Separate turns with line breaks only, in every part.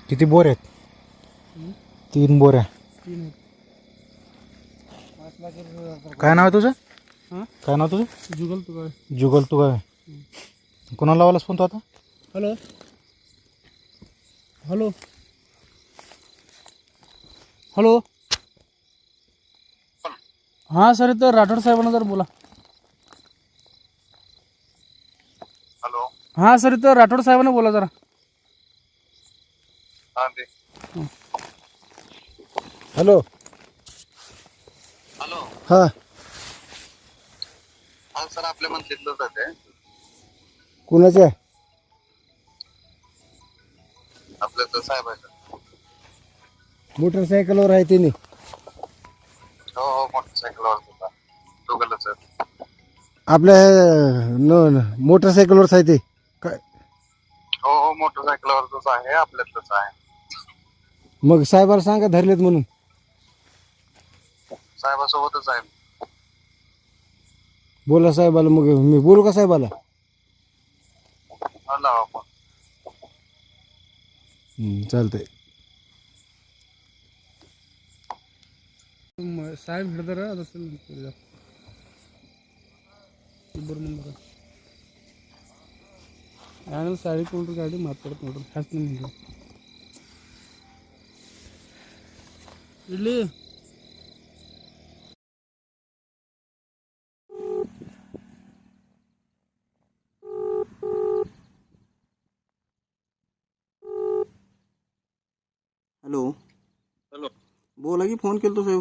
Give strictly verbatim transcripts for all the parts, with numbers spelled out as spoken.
किती बोर आहेत?
हं?
तीन बोऱ्या.
तीन आहेत.
काय नाव आहे तुझं?
हां
काय नाव तुझं?
जुगल तू काय?
जुगल तू काय? कोणाला लावायलास फोन तू आता?
हॅलो हॅलो हॅलो हां सर इथं राठोड साहेबांना जर बोला.
हॅलो.
हां सर इथं राठोड साहेबांना बोला जरा.
हा दे.
हॅलो.
हॅलो.
हां.
हा सर आपल्या मंथलीतलंच आहे ते.
कुणाच्या?
आपल्या तर साहेबाचं.
मोटरसायकलवर आहे त्यांनी.
हो हो मोटरसायकलवर होता. दोघंच आहेत.
आपल्या न मोटरसायकलवरच आहे ते काय?
हो हो मोटरसायकलवरच आहे, आपल्यातलंच आहे.
मग साहेबाला सांगा धरलेत म्हणून.
साहेबासोबतच आहे.
बोला साहेबाला. मग मी बोलू का साहेबाला?
हा लावा फोन.
चालतंय.
साहेब हिडदर असेल बरं नंबर आहे साडी कोण गाडी माताडत ನೋಡ್ರಿ खास नाही इडली.
हॅलो.
हॅलो.
बोला की, फोन केला तो साहेब.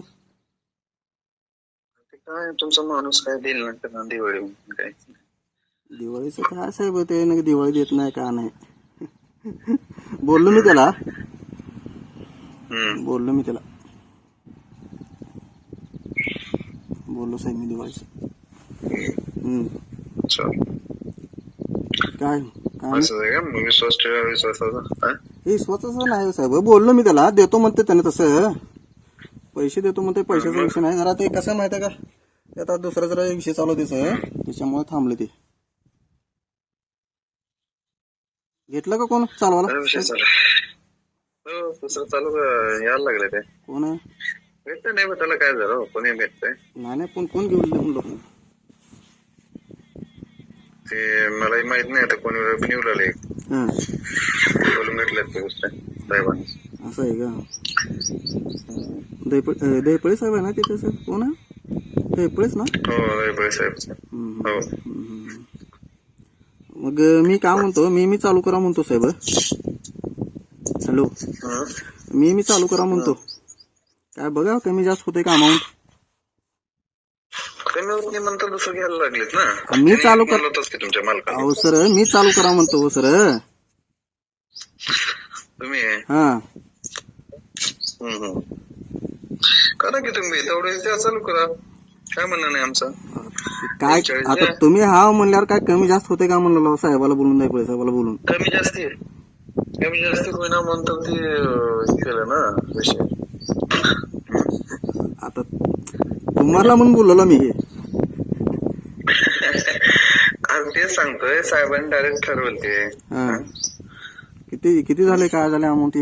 ते काय तुमचा माणूस काय देईल ना दिवाळी काय?
दिवाळीचं काय साहेब, ते ना दिवाळी देत नाही का नाही. बोललो मी त्याला. बोललो मी त्याला बोललो साहेब मी दिवाळीचं. हम्म. काय काय
विश्वास ठेवा विश्वासाचा.
हे स्वतःच नाही साहेब. बोललो मी त्याला, देतो म्हणते त्याने तसं. पैसे देतो म्हणते, पैशाचा विषय नाही. जरा ते कसं माहिती आहे का, आता दुसरा जरा विषय चालू आहे त्याचं, त्याच्यामुळे थांबले ते. घेतलं का कोण चालवायला?
विषय चालू हो दुसरं चालू यायला लागले ते.
कोण आहे?
भेटत नाही मग त्याला काय झालं, कोणी भेटतंय?
नाही नाही, पण कोण घेऊन म्हणलो
ते मलाही माहित नाही आता कोणी निवडले. बोलून भेटलेत ते साहेबांनी.
असं आहे का? दैपळे दैपळे साहेब आहे ना तिथे सर? कोण आहे? दैपळेच ना?
हो दैपळे साहेब. हो.
मग मी काय म्हणतो, मी मी चालू करा म्हणतो साहेब. हॅलो. मी मी चालू करा म्हणतो. काय बघा कमी जास्त होते का अमाऊंट?
कमी म्हणतात दुसरं घ्यायला लागलेत ना.
मी चालू कर
तुमच्या मालकाला.
अहो सर, मी चालू करा म्हणतो हो सर.
तुम्ही
हा
करा की तुम्ही तेवढे त्या चालू करा. काय म्हणणं नाही आमचं.
काय आता तुम्ही हा म्हणल्यावर काय कमी जास्त होते का म्हणलं साहेबाला बोलून, दैपळे साहेबाला बोलून.
कमी जास्ती कमी जास्ती होईना म्हणतात ते केलं ना विषय.
आता तुम्हाला म्हणून बोललो मी हे.
तेच सांगतोय साहेबांनी डायरेक्ट ठरवलं ते.
किती किती झाले, काय झाले अमाऊंट?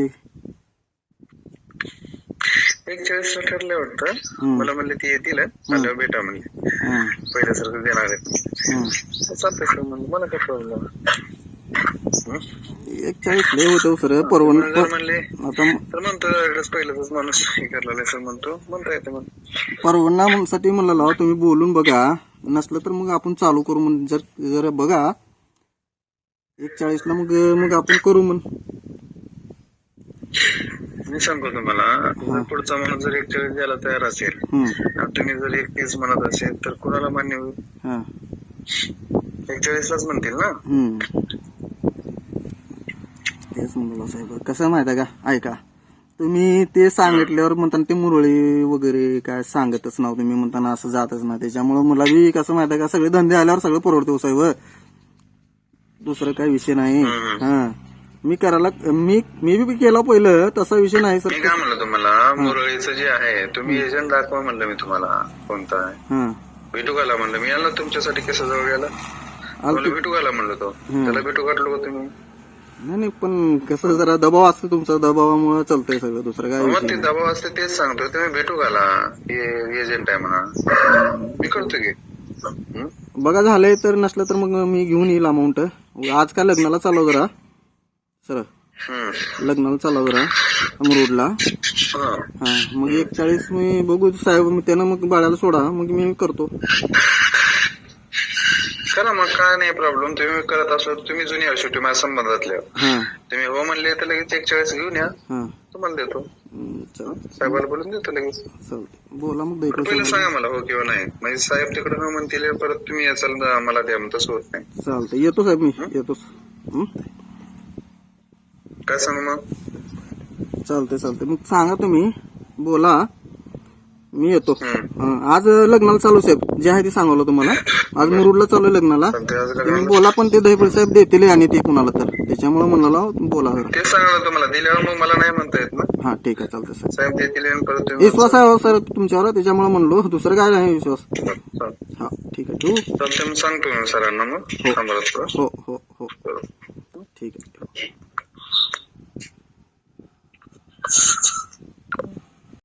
एक चाळीस ठरले वाटतं. मला म्हणले ती येतील आल्यावर भेटा म्हणले. पहिल्यासारखं देणार आहेत. चालतंय सर म्हणलं, मला काय प्रॉब्लेम.
एक चाळीस लय होतं सर. परवडणार
म्हणले
आता
तर म्हणतो पहिल्याच माणूस हे करला सर म्हणतो म्हणता येते मग.
परवडण्यासाठी म्हणलं तुम्ही बोलून बघा, नसलं तर मग आपण चालू करू म्हण. जर जर बघा एक चाळीस ला मग मग आपण करू म्हण.
मी सांगतो तुम्हाला, पुढचा माणूस जर एक चाळीस द्यायला तयार असेल आणि तुम्ही जर एक तीस म्हणत असेल तर कुणाला मान्य होईल? एक चाळीस लाच म्हणतील ना. तेच म्हणलं साहेब. कसं माहित आहे का, ऐका तुम्ही ते सांगितल्यावर म्हणताना ते मुरळी वगैरे काय सांगतच नाव तुम्ही, म्हणताना असं जातच ना. त्याच्यामुळे मला बी कसं माहित आहे का, सगळे धंदे आल्यावर सगळं परवडते साहेब. दुसरं काही विषय नाही. हा मी करायला मी मी बी केला पहिलं, तसा विषय नाही सर. मी काय म्हणलं तुम्हाला, मुरळीचं जे आहे तुम्ही एजंट दाखवा म्हणलं मी तुम्हाला. कोणता आहे भेटू घाला म्हणलं. मी आलो तुमच्यासाठी केसा जवळ गेला, मला भेटू घाला म्हणलं. तो त्याला भेटू घातलो का तुम्ही?
नाही नाही पण कसं जरा दबाव असतो तुमचा, दबावामुळे चालतंय सगळं, दुसरं काय
मग
विषय
ते
नाही.
दबाव असते तेच सांगतो. तुम्ही भेटू घाला, एजंट आहे म्हणा, मी करतो की. हं?
बघा झालंय तर, नसलं तर मग मी घेऊन येईल अमाऊंट. आज काय लग्नाला चालव जरा सर,
हं.
लग्नाला चालव जरा अमरूडला.
हं.
हा मग एक चाळीस मी बघू साहेब, मग त्यानं मग बाळाला सोडा, मग मी करतो.
करा मग, काय नाही प्रॉब्लेम. तुम्ही करत असो, तुम्ही जुनी आहे शेवटी माझ्या संबंधातल्या.
हा
तुम्ही हो म्हणले तर लगेच एक चाळीस घेऊन या,
हा
तुम्हाला देतो.
चालतंय
साहेबाला बोलून देतो लगेच.
चालतंय, बोला मग दैको
पहिलं
साहेब.
सांगा मला हो किंवा नाही. म्हणजे साहेब तिकडे हो म्हणतील, परत तुम्ही याचाल मला द्या, मग तसं होत नाही.
चालतंय, येतो साहेब मी, येतोच. हं?
काय सांगू मग?
चालतंय चालतंय, मग सांगा तुम्ही, बोला, मी येतो.
हं.
हं, आज लग्नाला चालू साहेब, जे आहे ते सांगवलं तुम्हाला. आज मुरुडला चालू आहे लग्नाला.
चालतंय, आज
तुम्ही
लग्नाला
बोला, पण ते दहीफळ साहेब देतील आणि ते कुणाला तर, त्याच्यामुळे म्हणाला बोला जरा.
ते सांगा तुम्हाला दिल्यावर मग मला नाही म्हणता येत ना.
हा ठीक आहे, चालतंय साहेब.
साहेब देतील आणि परत तुम्ही
विश्वास आहे हो सर तुमच्यावर, त्याच्यामुळे म्हणलो, दुसरं काय नाही विश्वास.
चालतंय.
हा ठीक आहे, ठेवू.
चालतंय, मग सांगतो मी सरांना मग. थांबा थोडं.
हो हो हो ठीक आहे.